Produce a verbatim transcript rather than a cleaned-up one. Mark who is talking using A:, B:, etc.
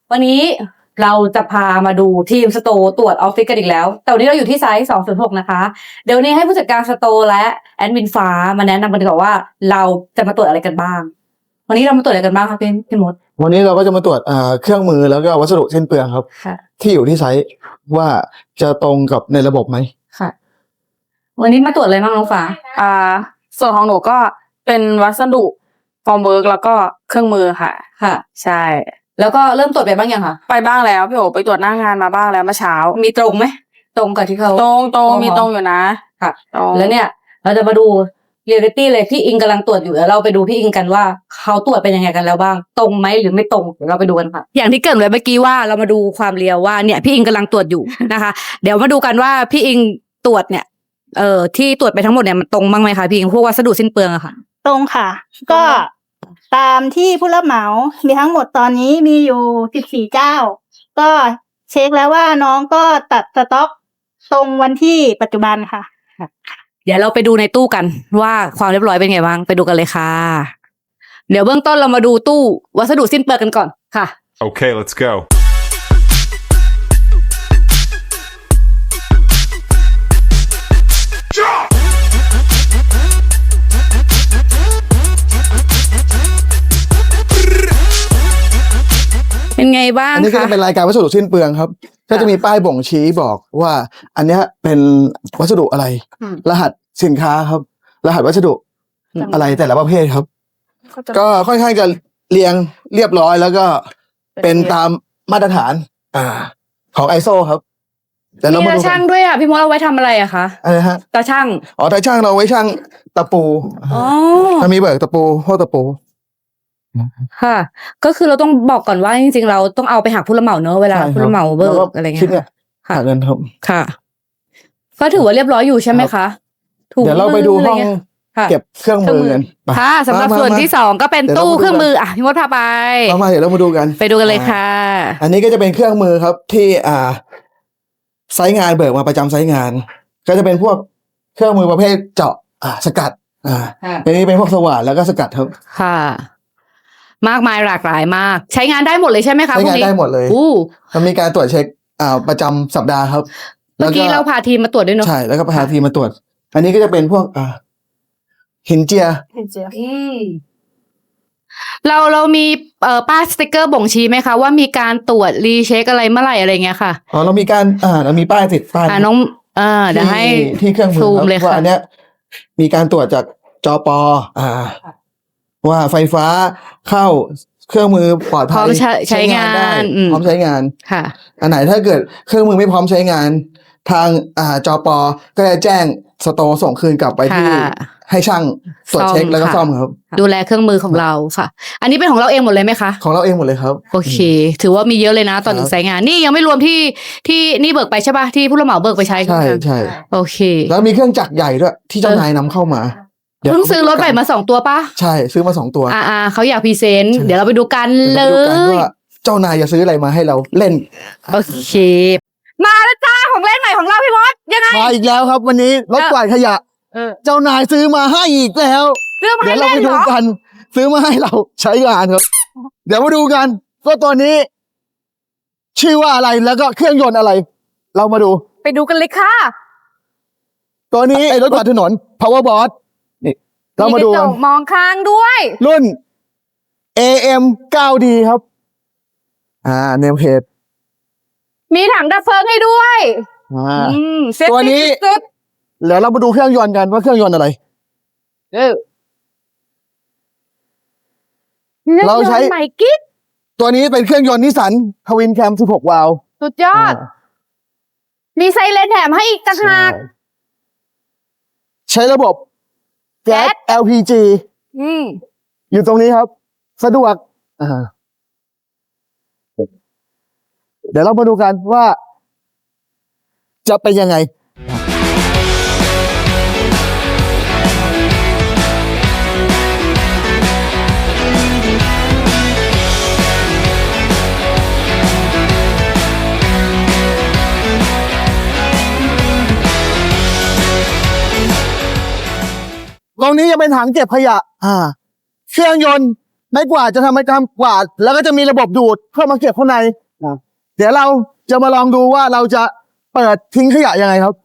A: วันนี้เราจะพามาดูทีมสโตร์ตรวจออฟฟิศกันอีกแล้วแต่วันนี้เราอยู่ที่ไซส์สองศูนย์หกนะคะเดี๋ยวนี้ให้ผู้จัดการสโตร์และแอดมินฟ้ามาแนะนำกันดีกว่าว่าเราจะมาตรวจอะไรกันบ้างวันนี้เรามาตรวจอะไรกันบ้างครับพี่พี่มด
B: วันนี้เราก็จะมาตรวจเครื่องมือแล้วก็วัสดุสิ้นเปลืองครับที่อยู่ที่ไซต์ว่าจะตรงกับในระบบไหม
A: ค่ะวันนี้มาตรวจอะไรบ้างน้องฟ้า
C: อ่าส่วนของหนูก็เป็นวัสดุฟอร์มเวิร์กแล้วก็เครื่องมือค่ะ
A: ค่ะ
C: ใช่
A: แล้วก็เริ่มตรวจไปบ้างยังคะ
C: ไปบ้างแล้วพี่โอไปตรวจหน้างานมาบ้างแล้วเมื่อเช้า
A: มีตรงไหมตรงกับที่เขา
C: ตรงตรงมีตรงอยู่นะ
A: ค่ะแล้วเนี่ยเราจะมาดูเรียลลิตี้เลยพี่อิงกำลังตรวจอยู่แล้วเราไปดูพี่อิงกันว่าเขาตรวจเป็นยังไงกันแล้วบ้างตรงไหมหรือไม่ตรงเดี๋ยวเราไปดูกันค่ะอย่างที่เกริ่นไว้เมื่อกี้ว่าเรามาดูความเรียวว่าเนี่ยพี่อิงกำลังตรวจอยู่นะคะ เดี๋ยวมาดูกันว่าพี่อิงตรวจเนี่ยเอ่อที่ตรวจไปทั้งหมดเนี่ยมันตรงบ้างไหมคะพี่อิงพวกวัสดุสิ้นเปลืองอะค่ะ
D: ตรงค่ะก็ตามที่ผู้รับเหมามีทั้งหมดตอนนี้มีอยู่สิบสี่เจ้าก็เช็คแล้วว่าน้องก็ตัดสต็อกตรงวันที่ปัจจุบันค่ะ
A: เดี๋ยวเราไปดูในตู้กันว่าความเรียบร้อยเป็นไงบ้างไปดูกันเลยค่ะเดี๋ยวเบื้องต้นเรามาดูตู้วัสดุสิ้นเปลืองกันก่อนค่ะ
E: Okay, let's go.
A: เป็นไงบ้าง
B: อันนี้ก็จะเป็นรายการวัสดุสิ้นเปลืองครับก็จะมีป้ายบ่งชี้บอกว่าอันนี้เป็นวัสดุอะไรรหัสสินค้าครับรหัสวัสดุอะไรแต่ละประเภทครับก็ค่อนข้างจะเรียงเรียบร้อยแล้วก็เป็นตามมาตรฐานอ่าของ ไอ เอส โอ ครับ
A: แต่เรามาดูตาช่างด้วยอ่ะพี่มดเอาไว้ทำอะไรอะคะ
B: อะไรฮะ
A: ตาช่าง
B: อ๋อตาช่างเราไว้ช่างตะปู
A: อ๋อ
B: ถ้ามีเบิกตะปูพวกตะปู
A: ค่ะก็คือเราต้องบอกก่อนว่าจริงๆเราต้องเอาไปหักผู้รับเหมาเนอะเวลาผู้รับเหมาเบิกอะไรเงี้ย
B: ค่ะเงินครับ
A: ค่ะก็ถือว่าเรียบร้อยอยู่ใช่ไหมคะ
B: เดี๋ยวเราไปดูห้องเก็บเครื่องมือกัน
A: ค่ะสำหรับส่วนที่สองก็เป็นตู้เครื่องมืออ่ะพี่มดพาไป
B: มาเดี๋ยวเรามาดูกัน
A: ไปดูกันเลยค่ะ
B: อันนี้ก็จะเป็นเครื่องมือครับที่อ่าไซต์งานเบิกมาประจำไซต์งานก็จะเป็นพวกเครื่องมือประเภทเจาะอ่าสกัดอ่าอันนี้เป็นพวกสว่านแล้วก็สกัดครับ
A: ค่ะมากมายหลากหลายมากใช้งานได้หมดเลยใช่ไหมคะ
B: ใช้งานได้หมดเลยมันมีการตรวจเช็คอ่าประจำสัปดาห์ครับ
A: เมื่อกี้เราพาทีมมาตรวจด้วยเนาะ
B: ใช่แล้วก็พาทีมมาตรวจอันนี้ก็จะเป็นพวกอ่าหินเจีย
D: หินเจีย
A: อืมเราเรามีเอ่อป้ายสติกเกอร์บ่งชี้ไหมคะว่ามีการตรวจรีเช็คอะไรเมื่อไหร่อะไรเงี้ยค่ะ
B: อ๋อเรามีการอ่าเรามีป้ายติดป้าย
A: อ่าน้องอ่าเดี๋ยวให้
B: ที่เครื่องมือครับว่าอันเนี้ยมีการตรวจจากจปอ่าว่าไฟฟ้าเข้าเครื่องมือปลอดภัย
A: พร้อมใช้งานได้
B: พร้อมใช้งาน
A: ค่ะ
B: อันไหนถ้าเกิดเครื่องมือไม่พร้อมใช้งานทางอ่าจปก็จะแจ้งสโตร์ส่งคืนกลับไปที่ให้ช่างตรวจเช็คแล้วก็ซ่อมครับ
A: ดูแลเครื่องมือของเราค่ะอันนี้เป็นของเราเองหมดเลยไหมคะ
B: ของเราเองหมดเลยครับ
A: โอเคถือว่ามีเยอะเลยนะตอนหนึ่งใช้งานนี่ยังไม่รวมที่ที่นี่เบิกไปใช่ป่ะที่ผู้รับเหมาเบิกไปใช้
B: ใช่ใช่
A: โอเค
B: แล้วมีเครื่องจักรใหญ่ด้วยที่เจ้านายนำเข้ามา
A: เพิ่งซื้อรถใหม่มาสองตัวป่ะ
B: ใช่ซื้อมาสองตัว
A: อ่าอ่าเขาอยากพรีเซนต์เดี๋ยวเราไปดูกันเลย
B: ว่าเจ้านายจะซื้ออะไรมาให้เราเล่น
A: โอเคมาแล้วจ้าของเล่นใหม่ของเราพี่มดยังไง
B: มาอีกแล้วครับวันนี้รถกวาดขยะเจ้านายซื้อมาให้อีกแล้วเดี๋ยวเราไปดูกันซื้อมาให้เราใช้งานครับเดี๋ยวมาดูกันว่าตัวนี้ชื่อว่าอะไรแล้วก็เครื่องยนต์อะไรเรามาดู
A: ไปดูกันเลยค่ะ
B: ตัวนี้ไอ้รถกวาดถนน Power Boss นี่เรามาดู
A: กันมองข้างด้วย
B: รุ่น เอ เอ็ม ไนน์ ดี ครับอ่าเนมเพจ
A: มีถังดับเพลิงให้ด้วย
B: อ่าตัวนี้เดี๋ยวเรามาดูเครื่องยนต์กันว่าเครื่องยนต์อะไร
A: เออ
B: เราใช้
A: ใหม่กิ๊ก
B: ตัวนี้เป็นเครื่องยนต์นิสสันทวินแคมสิบหกวาล์ว
A: สุดยอดมีไซเรนแถมให้อีกต่างหาก
B: ใช้ระบบแก๊ส แอล พี จี
A: อืม
B: อยู่ตรงนี้ครับสะดวกอ่าเดี๋ยวเรามาดูกันว่าจะเป็นยังไงตรงนี้จะเป็นถังเก็บขยะอ่าเครื่องยนต์ไม้กวาดจะทำไม้กวาดแล้วก็จะมีระบบดูดเข้ามาเก็บข้างในเดี๋ยวเราจะมาลองดูว่าเราจะเปิดทิ้งขยะยังไงครับ